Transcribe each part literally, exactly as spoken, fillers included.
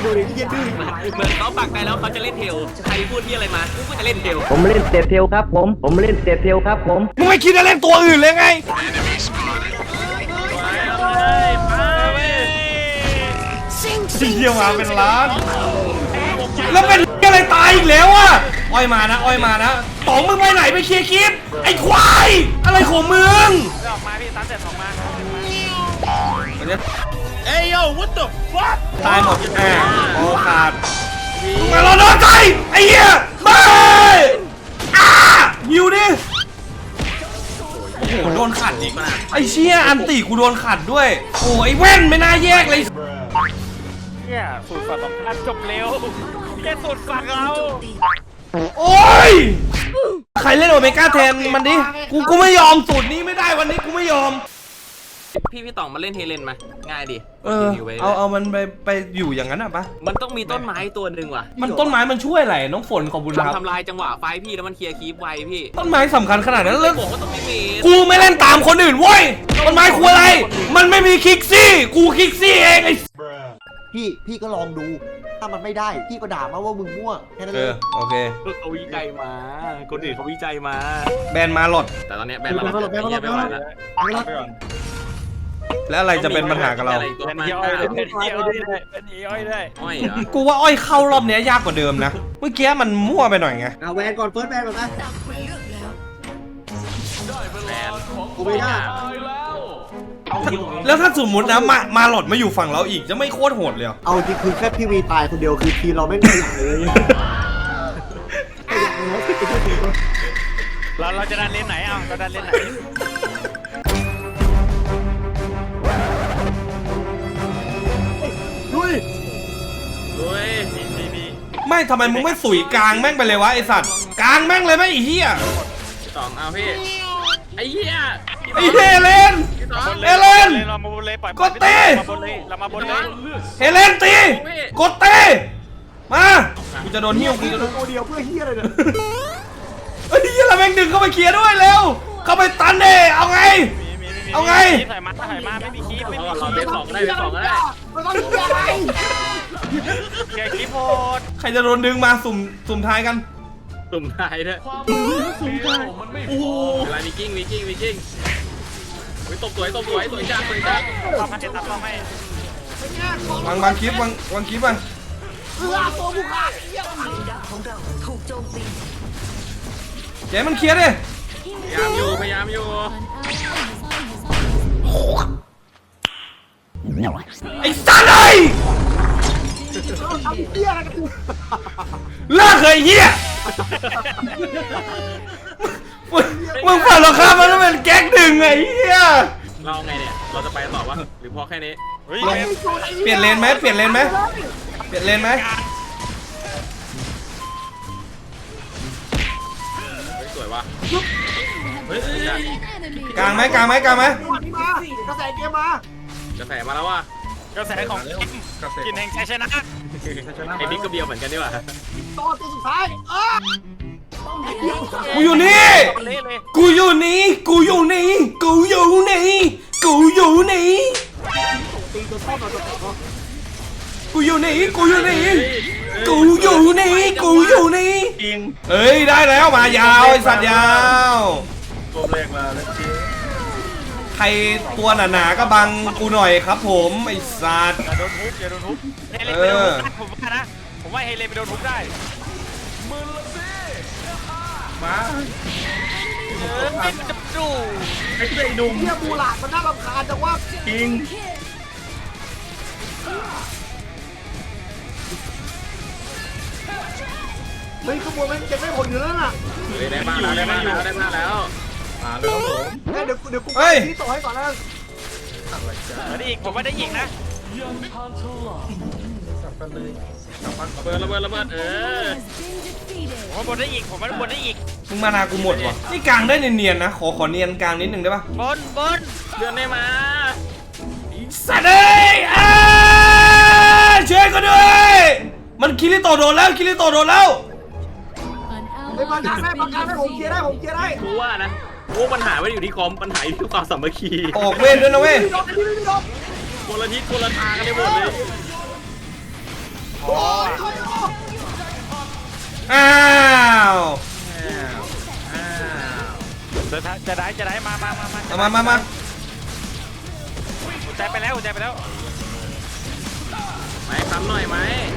ดูดิที่ยืนดื้อเหมือนเขาปักใจแล้วเขาจะเล่นเทลใครพูดที่อะไรมากูก็จะเล่นเทลผมเล่นเตะเทลครับผมผมเล่นเตะเทลครับผมมึงไม่คิดจะเล่นตัวอื่นเลยไง เยี่ยมาเป็นล้าน แล้วเป็นอะไรตายอีกแล้วอ่ะอ้อยมานะอ้อยมานะต๋องมึงไปไหนไปเคลียร์คลิปไอ้ควายอะไรของมึงออกมาพี่ตันเสร็จออกมาเอ้ยโย่ what the fuck ตายหมดอ่าโอ้ขาดมาเราโดนใจไอ้เหี้ยไม่อ้าหิวดิโอ้โหโดนขัดอีกไอ้เชี่ยอันตีกูโดนขัดด้วยโอ้ไอ้แว่นไม่น่าแยกเลยเนี่ยสูตรฝักของท่านจบเร็วแค่สูตรฝักเราโอ้ยใครเล่นโอเมก้าแทนมันดิกูกูไม่ยอมสูตรนี้ไม่ได้วันนี้กูไม่ยอมพี่พี่ต่องมาเล่นเฮเลนมาง่ายดิเออเอาเอามันไปไปอยู่อย่างนั้นอ่ะปะมันต้องมีต้นไม้ตัวหนึ่งว่ะมันต้นไม้มันช่วยอะไรน้องฝนขอบคุณครับทำทำลายจังหวะไฟพี่แล้วมันเคลียร์คีปไวพี่ต้นไม้สำคัญขนาดนั้นเลเลย ยบอกว่าต้องมีเมสกูไม่เล่นตามคนอื่นเว้ยต้นไม้ควรอะไรมันไม่มีคิกซี่กูคิกซี่เองไอ้พี่พี่ก็ลองดูถ้ามันไม่ได้พี่ก็ด่ามาว่ามึงมั่วแค่นั้นเอเลอย โอเคเขาวิจัยมาคนอื่นเขาวิจัยมาแบนมาหลดแต่ตอนนี้แบนมาแล้วแบนมาแล้วแบนมาแล้วแล้วอะไรจะเป็นปัญหากับเราเป็นเหี้ยอ้อยเลยเป็นเหี้ยอ้อยเลยเป็นเหี้ยอ้อยเลยอ้อยเหรอกูว่าอ้อยเข้ารอบเนี้ยยากกว่าเดิมนะเมื่อกี้มันมั่วไปหน่อยไงเอาแวนก่อนเฟิร์สแวนก่อนนะแบนกูไม่ได้แล้วถ้าสมมตินะมามาหลดมาอยู่ฝั่งเราอีกจะไม่โคตรโหดเลยเหรอเอาจริงคือแค่พี่วีตายคนเดียวคือทีมเราไม่ได้อย่างเลยเราเราจะดันเลนไหนอ่ะเราดันเลนไหนลุยด้วยมีมีมีไม่ทำไมมึงไม่สุยกลางแม่งไปเลยวะไอสัตว์กลางแม่งเลยไหมไอ้เหี้ยสองเอาพี่ไอ้เหี้ยไอ้เฮเลน เอเลนเรามาบนเลยปล่อยกดตีเรามาบนเลยเรามาบนเลยเฮเลนตีกดเตะมากูจะโดนหิ้วกูจะโดนตัวเดียวเพื่อเฮียอะไรเนี่ยเฮ้ยเหี้ยเราแม่งดึงเข้าไปเคลียร์ด้วยเร็วเข้าไปตันเด้เอาไงมีมีมีเอาไงถ่ายมาถ่ายมาไม่มีคีบไม่มีเราคีเล่นบสองได้เล่นสองได้มันต้องเฮียอะไรแกคีบโหดใครจะโดนดึงมาสุ่มสุ่มท้ายกันตุ่มทายด้วยโอ้โหอะไรวิกิ้งวิกิ้งวิกิ้งวิตบสวยตบสวยสวยจังสวยจังเข้ามาเจ็ดตับเข้าให้วางวางคลิปวางวางคลิปวางเพื่อตัวผู้ฆ่าเจ๊มันเคลียร์ดิพยายามอยู่พยายามอยู่ไอ้สัตว์ไอ้ยทำเฮียอะไรกันกูเลิกเคยเหี้ยมึงมึงเปิดราคามันแล้วเป็นแก๊กดึงไงเหี้ยเราไงเนี่ยเราจะไปต่อวะหรือพอแค่นี้เฮ้ยลงเปลี่ยนเลนไหมเปลี่ยนเลนไหมเปลี่ยนเลนไหมสวยว่ะเฮ้ยกลางไหมกลางไหมกลางไหมนี่มากระแสเกมมากระแสมาแล้วว่ะกระแสของกินแห่งชัยชนะไอ้บิ๊กก็เบียวเหมือนกันดีกว่าตัวตัวสุดท้ายเออกูอยู่นี่เละเลยกูอยู่นี่กูอยู่นี่กูอยู่นี่กูอยู่นี่ตีตัวชอบเราตัวต่อกูอยู่นี่กูอยู่นี่กูอยู่นี่กูอยู่นี่จริงเอ้ยได้แล้วมายาวไอ้สัตว์ยาวตัวแรกมาแล้วจริงใครตัวหนาๆก็บังกูหน่อยครับผมไอ้สัตว์อย่าโดนทุบอย่าโดนทุบเฮเลนไปโดนทุบผมว่านะผมว่าเฮเลนไปโดนทุบได้มือละสิมาเออมันจะดูเฮียบูหลาดมันน่ารำคาญจังว่าจริงเฮ้ยขบวนมันจะไม่ผลอยู่แล้วน่ะได้บ้านแล้วได้บ้านแล้วได้บ้านแล้วเดี๋ยวกูเดี๋ยวกูที่ต่อให้ก่อนนะได้อีกผมว่าได้อีกนะระเบิดระเบิดระเบิดเออผมว่าบนได้อีกผมว่าบนได้อีกมึงมานากูหมดว่ะนี่กลางได้เนียนๆนะขอขอเนียนกลางนิดนึงได้ปะบนบนเดือนได้มาสัตว์เอ้ยอ่าช่วยกูด้วยมันคิริโตะโดนแล้วคิริโตะโดนแล้วไอ้ประกันได้ประกันได้ผมเคลียร์ได้ผมเคลียร์ได้กูว่านะกูปัญหาไม่ได้อยู่ที่คอมปัญหาอยู่ที่ความสามัคคีออกเวทด้วยนะเว้ยไม่โดนไม่โดนคนละทิศคนละทางกันเลยหมดเลยอ๋ออ้าวอ้าวจะจะได้จะได้มามามามาเอามามามาหัวใจไปแล้วหัวใจไปแล้วไหมทำหน่อยไหม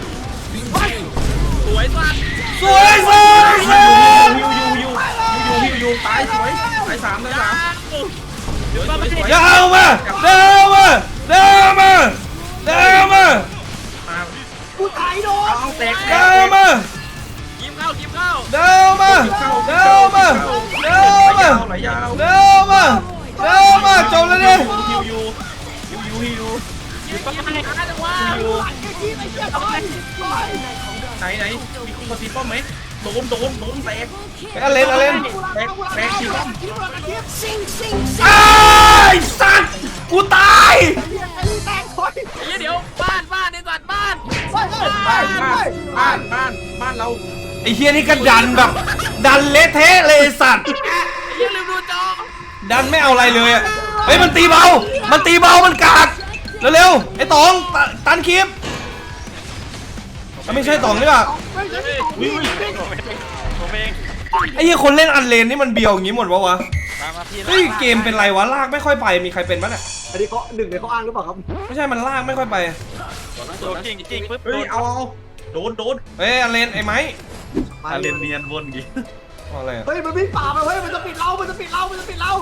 สวยสัตว์สวยสวยสวยยูยูยูยูยูยูตายสวยตายสามตายสามเดี๋ยวต้องไปเดินมาเดินมาเดินมาเดินมากูตายโดนเอาแตกเดินมายิ้มเข้ายิ้มเข้าเดินมาเดินมาเดินมาไหลยาวเดินมาเดินมาจบแล้วดิยูยูยูยูยูยูยูต้องไปหาจังหวะยูไหนไหนมีคนมาตีป้อมไหมโดนโดนโดนแตกอเลนอเลนแตกแตกทีป้อมไอ้สัตว์กูตายไอ้เดี๋ยวบ้านบ้านในสัตว์บ้านบ้านบ้านบ้านบ้านบ้านบ้านเราไอ้เฮียนี่ก็ดันแบบดันเละเทะเลยไอ้สัตว์ไอ้ยังลืมดูจอดันไม่เอาอะไรเลยอะเฮ้ยมันตีเบา มันตีเบา มันกากเร็วๆไอ้ตองตตันคลิปไม่ใช่ตองนี่ป่ะผมเองไอ้เหี้ยคนเล่นอันเลนนี่มันเบียวอย่างงี้หมดวะวะมามาพี่เฮ้ยเกมเป็นไรวะลากไม่ค่อยไปมีใครเป็นปะเนี่ยอันนี้เขาหนึ่งในเขาอ้างหรือเปล่าครับไม่ใช่มันลากไม่ค่อยไปโดนจริงจริงปุ๊บเฮ้ยเอาเอาโดนโดนเฮ้ยอันเลนไอ้ไม้อาเลนเนียนวนกี่เอาอะไรอะเฮ้ยมันวิ่งป่าไปเฮ้ยมันจะปิดเรามันจะปิดเรามันจะปิดเรา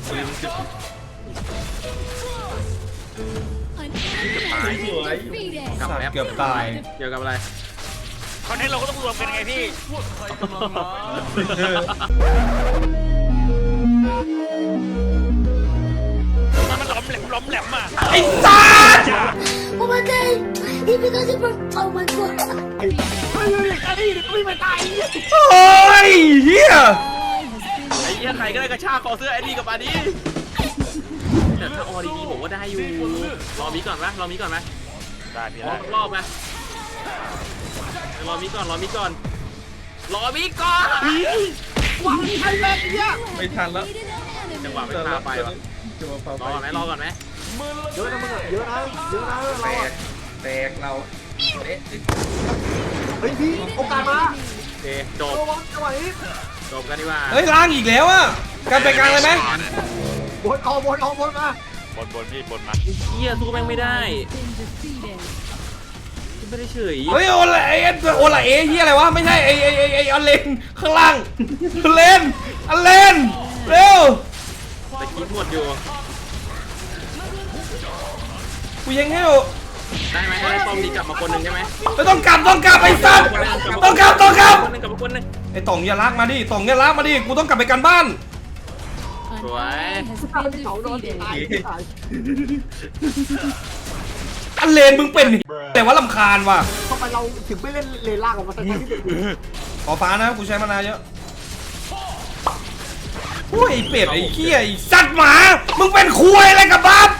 ตายสวยสัตว์เกือบตายเกี่ยวกับอะไรคอนเทนต์เราก็ต้องรวมกันไงพี่มันล้มแหลมล้มแหลมอ่ะไอ้สัตว์ Oh my god! He because he broke. Oh my god! เฮ้ยเฮ้ยไอ้นี่ก็วิ่งไปตายโอ้ยเฮียไอ้เหี้ยใครก็ได้กระชากคอเสื้อไอ้นี่กับมาดิแต่ถ้าออดีๆผมว่าได้อยู่รอมีก่อนไหมรอมีก่อนไหมได้พี่รอได้รอบไหมรอมีก่อนรอมีก่อนรอมีก่อนวางไอ้แม่เนี่ยไม่ทันแล้วจังหวะไม่พาไปวะรอก่อนไหมรอก่อนไหมเยอะนะมึงอะเยอะนะเยอะนะเราแตอะกแตกเราเอ๊ะเฮ้ยพี่โอกาสมาโอเคจบระวังจังหวะนี้จบกันดีกว่าเฮ้ยล้างอีกแล้วอะการไปกลางเลยไหมบนออกบนออกบนมาบนบนพี่บนมาเฮียสู้แม่งไม่ได้ไม่ได้เฉยเฮ้ยโอละเอโอละเอเฮียอะไรวะไม่ใช่ไอ้ไอ้ไอ้ไอ้อันเลนข้างล่างอันเลนอันเลนเร็วแต่คิดหมดอยู่กูยังให้อยู่ได้ไหมให้ป้อมดีกลับมาคนหนึ่งใช่ไหมไม่ต้องกลับต้องกลับไอ้สัตว์ต้องกลับต้องกลับคนหนึ่งกลับมาคนหนึ่งไอ้ต่องอย่าลากมาดิต่องอย่าลากมาดิกูต้องกลับไปกันบ้านสวยเขาโดนตายตายอันเลนมึงเป็นแต่ว่าลำคาญว่ะทำไมเราถึงไม่เล่นเลนล่างออกมาตั้งแต่ที่เด็กขอฟ้านะกูใช้มานานเยอะโอ้ยไอ้เป็ดไอ้เขี้ยไอ้สัตว์หมามึงเป็นคุยอะไรกับบัฟ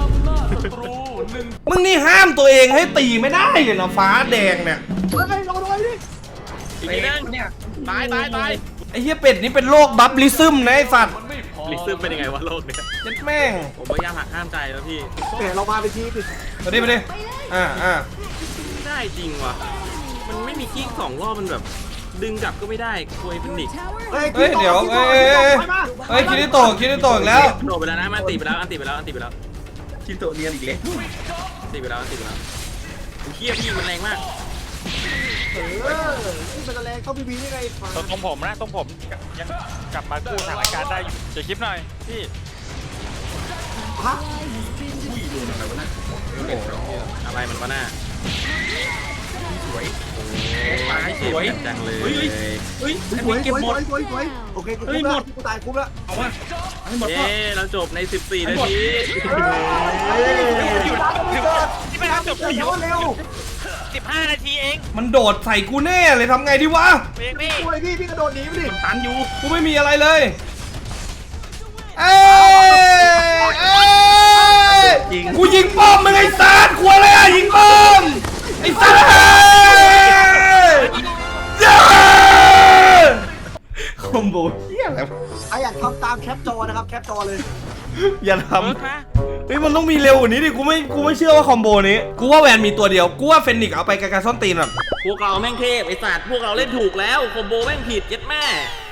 มึงนี่ห้ามตัวเองให้ตีไม่ได้เลยนะฟ้าแดงเนี่ยเฮ้ยเราโดนดิอีกนิดนึงตายตายตายไอ้เหี้ยเป็ดนี่เป็นโรคบัฟลิซึมนะไอ้สัตว์ลิซึมเป็นยังไงวะโลกเนี่ยเจ็ดแม่งผมพยายามหักห้ามใจแล้วพี่แหมเรามาเป็นทีมดิมาดิมาดิอ่าอ่าไม่ได้จริงว่ะมันไม่มีกิ้งสองรอบมันแบบ ดึงกลับก็ไม่ได้คุยเป็นนิกเฮ้ยเดี๋ยวเอ้ยเอ้ยเอ้ยเฮ้ยคิดได้โตคิดได้โตอีกแล้วโดดไปแล้วนะมันตีไปแล้วอันตีไปแล้วอันตีไปแล้วคิโตะเนียนอีกแล้วตีไปแล้วอันตีไปแล้วเฮียพี่มันแรงมากเออนี่เป็นแรงเข้าพีบีได้ไงตรงตรงผมนะตรงผมยังกลับมากู้สถานการณ์ได้อยู่เดี๋ยวคลิปหน่อยพี่ฮะอะไรมันวะหน้าสวยตายสวยจังเลยเฮ้ยเฮ้ยสอันวยนี้สเก็บวยหมสดวยสวยสวยโอเคกูคุ้มแล้วกูตายคุ้มแล้วเอาวะให้หมดเย้เราจบในสิบสี่นาทีที่ไม่ทำจบเร็วเร็วสิบห้านาทีเองมันโดดใส่กูแน่เลยทำไงดีวะเองพี่ช่วยพี่พี่กระโดดหนีไปดิตันอยู่กูไม่มีอะไรเลยเอ้ยเอ้ยกูยิงป้อมมึงไอ้สัตว์ขวอะไรอ่ะยิงป้อมไอ้สัตว์เอ้ยเย้คอมโบเฮียอะไรวะไออยากทำตามแคปจอนะครับแคปจอเลยอย่าทเบิร์กนะำเฮ้ยมันต้องมีเร็วกว่านี้ดิกูไม่กูไม่เชื่อว่าคอมโบนี้กูว่าแวนมีตัวเดียวกูว่าเฟนิกซ์เอาไปไกลๆส้นตีนแบบพวกเราแม่งเทพไอ้สัตว์พวกเราเล่นถูกแล้วคอมโบแม่งผิดเย็ดแม่